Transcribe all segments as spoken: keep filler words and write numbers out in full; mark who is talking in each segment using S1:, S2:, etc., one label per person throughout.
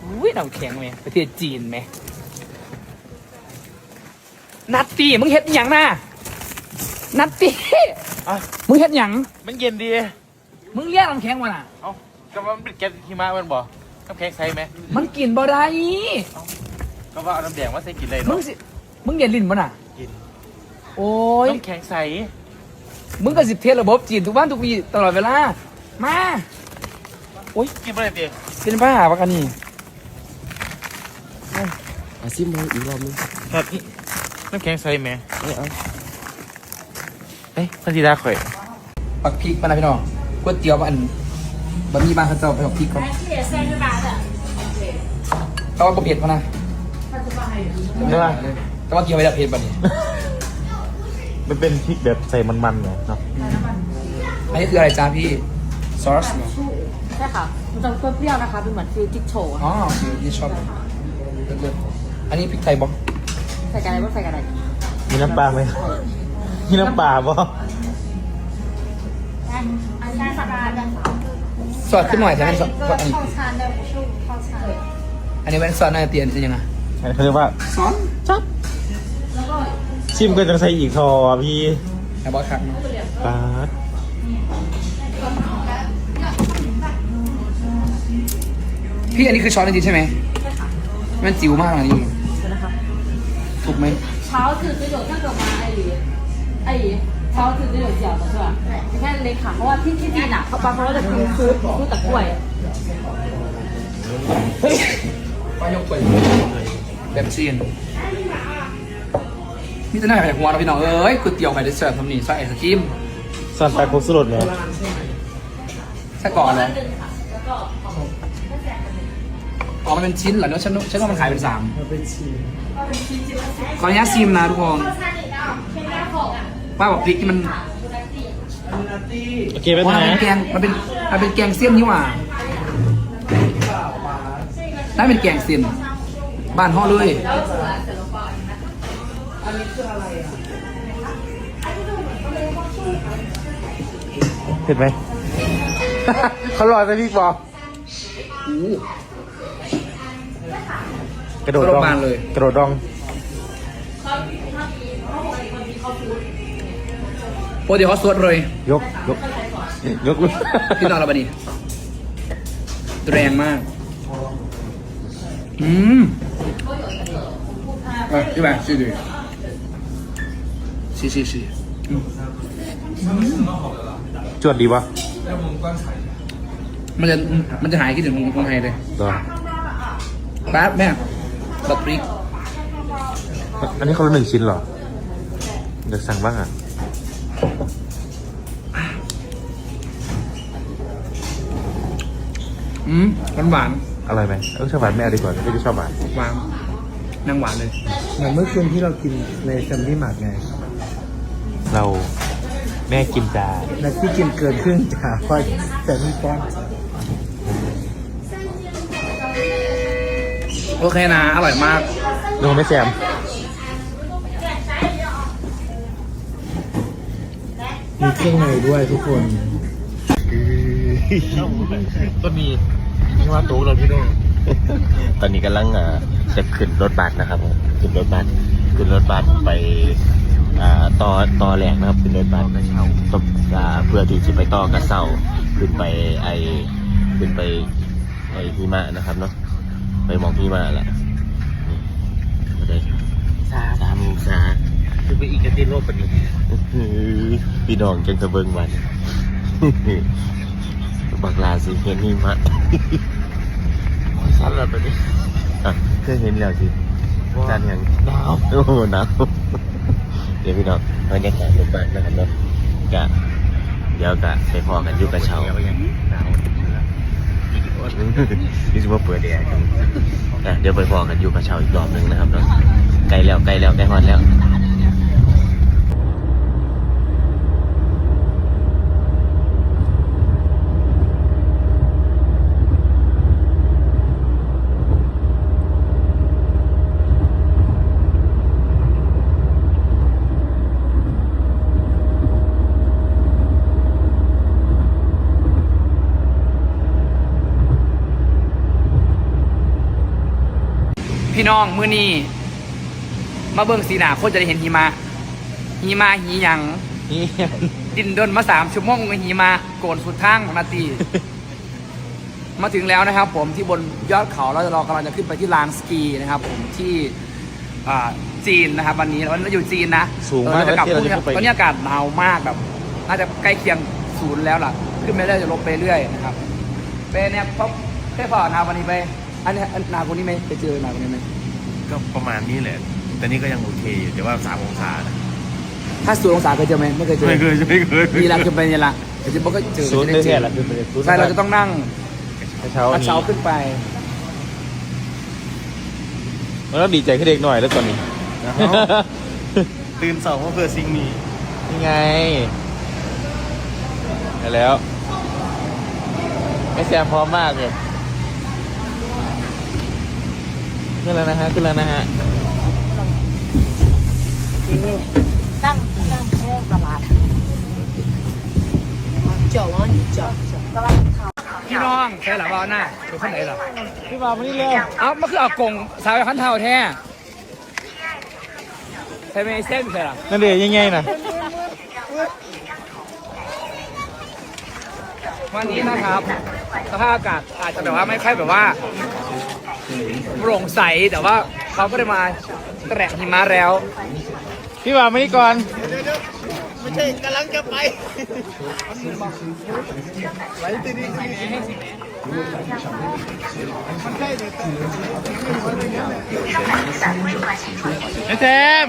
S1: อุ้ยน้ำแข็งไหมประเทศจีนไหมนัตตี้มึงเฮ็ดหยังนะนัตตี้มึงเฮ็ดหยัง
S2: มันเย็นดี
S1: มึงเรียกน้ำแข็งมาน่ะ
S2: เอ้าก็ว่ามันเป็นแก๊สหิมะมันบ่น้ำแข็งใสไหม
S1: มันกินบ่ได้
S2: ก็ว่าเอาน้ำแดงมาใส่กินเลย
S1: มึงสิมึงเย็นลิ้นบ่น่ะ
S2: กิน
S1: โอ้ย
S2: น้ำแข็งใส
S1: มึงก็สิเทสระบบจีนทุกวันทุกวีตลอดเวลามาโอ้ย
S2: กินอะไรดี
S1: เป็นบ้าปะกันนี่
S3: อาซิมมาอีกรอบนึง
S2: ครับน้ำแข็งใสไหม
S3: ไม่เอา
S2: เฮ้ยพันธีดาข่อย
S1: ปักพริกมานะพี่น้องก๋วยเตี๋ยวอันบะหมี่บ้านเขาเจ้าไปปักพริกก่อนแต่ว่าบะเผ็ดมานะ
S2: ใช่ป่ะ
S1: แต่ว่าเกี่ยวไปแล้วเผ็ดแบบนี้
S2: มันเป็นพริกแบบใส่มันๆเนาะ
S1: อันนี้คืออะไรจ้าพี่ซอส
S4: ใช่ค่ะมันจะเปรี้ยวนะคะเป็นเหมือนฟิวจิ๊กโชว์
S1: อ๋อคือที่ชอบเลิศๆอันนี้พริกไทยบ๊อบ
S4: ใส่กันอะไรบ้างใส่กันอะไร
S2: มีน้ำปลาไหมมีน้ำปลาบ่
S1: ซอสขึ้นหน่อยแต่เป็นซอสอันนี้อันนี้เป็นซอสน่าจะเตียนเป็นยังไง
S2: เขาเรียกว่า
S1: ซอส
S2: จับชิมก็จะใส่อีกทอพี่
S1: ไอ้บอสครับ
S2: ปาด
S1: พี่อันนี้คือช้อนจริงๆใช่ไหมมันจิ๋วมากอันนี้ถูกไหม
S4: เช้าตื่นจะ有那个吗ไอ้ไอ้เช้าตื่นจะ有饺的是吧你看เล็กค่ะเพราะว่าที่ที่จีนอ่ะเขาบางคนก็จะกินซุปซุปตะกล้วย
S1: ปลายกกล้วยแบบจีนนี่จะน่าไปหัวเราพี่น้องเอ้ยก๋วยเตี๋ยวไปได้เสิร์ฟทำนี่ใส่ไอศครีม
S2: สั่นไปครบสุดเลย
S1: ใส่ก่อนเลยอ๋อมันเป็นชิ้นเหรอเนาะฉันฉันว่ามันขายเป็นสามขออนุญาตซิมนะทุกคนป้าบอกพริกที่มัน
S2: โอเคไหมนะ
S1: มันเป็นแกงมันเป็นมันเป็นแกงเส้นนี่หว่านั่นเป็นแกงเส้นบ้านห่อเลย
S2: เห็นไหมเขารอจะพี่บอกกระโดดดอง
S1: เลย
S2: กระโดดดอง
S1: โอ้เดี๋ยวเขาสวดเลย
S2: ยกยกยก
S1: พี่นอนแล้วบัดนี้แรงมากอืมเออพี่บ่าวชิดิชิชิชิ
S2: จวดดีปะ
S1: มันจะมันจะหายคิดถึงคนไทยเลย
S2: ตัว
S1: แป๊บแม่บัตรพริก
S2: อันนี้เขาละหนึ่งชิ้นเหรอเดี๋ยวสั่งบ้างอ่ะ
S1: อืมหวานหวาน
S2: อร่อยไหมเออชอบหวานไม่เอาดีกว่าไม่ได้ชอบหวาน
S1: หวานนางหวานเลย
S3: เหมือนเมื่อคืนที่เรากินในแซมมี่มาร์กไง
S2: เราแม่กินจา
S3: และที่กินเกินครึ่งจ่าพอแซมมี่ป้อน
S1: โอเคนะอร่อยมาก
S2: ลงไม่แซม
S3: มีเครื่องในด้วยทุกคน
S2: ก็มีที่ว่าโต๊ะเราพี่น้อง
S5: ตอนนี้กำลังจะขึ้นรถบัสนะครับขึ้นรถบัสขึ้นรถบัสไปต่อต่อแหลกนะครับขึ้นรถบัสต้องเพื่อที่จะไปต่อกระเซ้าขึ้นไปไอขึ้นไปไอหิมะนะครับเนาะไปมองหิมะแหละนี่สาสามองศา
S2: คือไปอีกกระติโลกปนี้
S5: พี่น้องจังจะเบิ่งวันบักลาสิเห็นหิมะ
S2: สั้นแล้วไปดิ
S5: เคยเห็นแล้วสิด้านยังหนาวโอ้โหหนาวเดี๋ยวพี่น้องบรรยากาศรถบัสนะครับเนาะกะเดี๋ยวกะไปพอกันอยู่กระเช้านี่คือว่าเปิดแอร์กันเดี๋ยวไปพอกันอยู่กระเช้าอีกรอบนึงนะครับเนาะใกล้แล้วใกล้แล้วใกล้ฮอดแล้ว
S1: พี่น้องมื้อนี้มาเบิ่งสีหนาคนจะได้เห็นหิมะหิมะหีหยัง
S2: นี่
S1: ดินดนมาสามชั่วโมงกับหิมะโกนสุดทางของนาที มาถึงแล้วนะครับ ผมที่บนยอดเขาเราจะรอกำลังจะขึ้นไปที่ลานสกีนะครับ ผมที่อ่าจีนนะครับ วันนี้วันนี้เราอยู่จีนนะ
S2: สูงมาก
S1: เออจะกลับ
S2: แล้ว
S1: พรุ่งนี้
S2: เที่ยวจะไป
S1: ตอนนี้อากาศหนาวมากแบบน่าจะใกล้เคียงศูนย์แล้วล่ะ ขึ้นไปเรื่อยจะลงไปเรื่อยนะครับไปเนี่ยป๊อปแค่พอนาวันนี้ไปอันนี้อันนาคนนี้ไหมไปเจอนาคนนี้ไหม
S5: ก็ประมาณนี้แหละแต่นี่ก็ยังโอเคอยู่แต่ว่าสามองศานะ
S1: ถ้าศูนย์องศาเคยเจอไหมไม่เคยเจอ
S5: ไม่เคยไม่เคย
S1: มีรังจะไปเนี่ยละแต่จะบอกก็เจอ
S2: ศูนย์
S1: จะ
S2: ได้
S1: ได้เจ
S2: แค่
S1: อ
S2: ละคือเป็นศูนย์
S1: ใช่เราจะต้องนั่ง
S2: กระเช้าก
S1: ระเช้าขึ้นไป
S2: มันต้องดีใจขึ้นเด็กหน่อยแล้วตอนนี้
S5: ตื่นเสาร์เพื่อสิ่งนี้
S2: นี่ไงไปแล้วไม่แซมพร้อมมากเลยขึ้นแล้วนะฮะขึ้นแล้วนะฮะ
S4: ตั้งตั้งแค่ตลาดเจ้าว่านี่เจ้าตลาดเขา
S1: พี่น้องใช่หรอว่าหน้าดูข้างไหนหรอ
S2: พี่บ่าวมานี่เร็ว
S1: เอามันคือเอากงสาวขันเท้าแท้ใช่ไหมเส้นใช่หรอ
S2: นั่นเดี๋ยวยังไงนะ
S1: วันนี้นะครับสภาพอากาศอาจจะแบบว่าไม่ค่อยแบบว่าโปร่งใสแต่ว่าเขาก็ได้มาแตะหิมะแล้ว
S2: พี่บ่าวมานี่ก่อน ไอ้แซม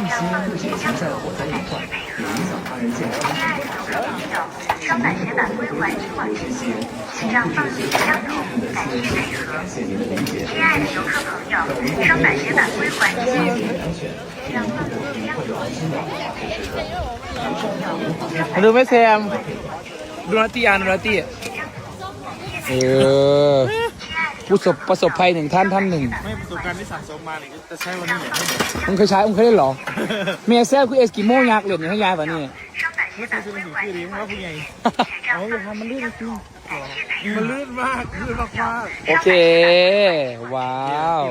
S6: 双板鞋板归还取往之前，请让放置相同，感谢配合。亲爱的游客朋友，双板鞋板归还之前，请让放置相同，感谢配合。
S2: มาดูไหมแซม
S1: ดูนาตีอ่านดูนาตี
S2: เออ
S1: ผู้ประสบประสบภัยหนึ่งท่านท่านหนึ่ง
S2: ไม่ประสบการณ์ที่สั่งสมมาเนี่ยจะใช้วันนี้เนี่ย
S1: มึงเคยใช้มึงเคยเล่นเหรอเมียแซ่บคือเอสกิโมยักษ์เหรียญอย่างให้ยายป่ะนี่
S2: ไม่เคยซื้อหนังสือชื่อนี้เพราะว่าผู้ใหญ่เอาอย่าทำมันลื่นจริงมันลื่นมากลื่นมากมาก
S1: โอเค ว้าว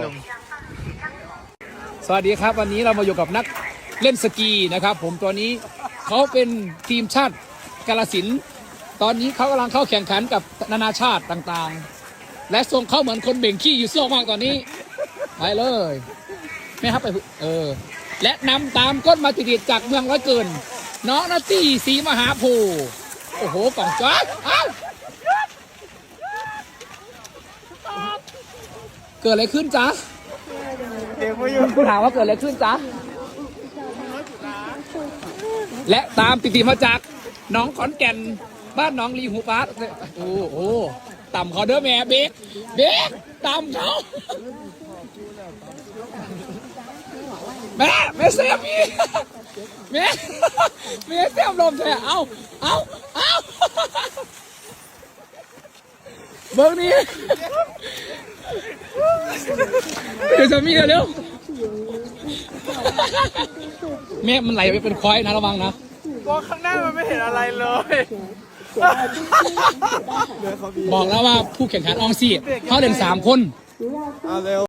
S1: สวัสดีครับ วันนี้เรามาอยู่กับนักเล่นสกีนะครับ ผมตัวนี้เขาเป็นทีมชาติกาฬสินธุ์ตอนนี้เขากำลังเข้าแข่งขันกับนานาชาติต่างๆ และทรงเขาเหมือนคนเบ่งขี้อยู่โซ่มากตอนนี้ไปเลยไม่ครับไปเออและนำตามก้นมาติดๆจากเมืองร้อยเกิน น้องนาตี้ศรีมหาโพธิ์โอ้โหกล่องจ้าเอ้าเกิดอะไรขึ้นจ๊ะ
S2: เด็กมาอยู่
S1: คุณถามว่าเกิดอะไรขึ้นจ๊ะ และตามติดๆมาจากน้องขอนแก่นบ้านน้องลีหูปาร์ตโอ้โหต่ำเขาเด้อแม่เบกเบกต่ำเขาแม่แม่เสียพี่แม่แม่เสียลมแท้เอาเอาเอาเบิ้งนี้เดี๋ยวจะมีเร็วแม่มันไหลไปเป็นควายนะระวังนะ
S2: มองข้างหน้ามันไม่เห็นอะไรเลย
S1: บอกแล้วว่าผู้แข่งขันอองซี่เขาเล่นสามคน
S2: เอาเร็ว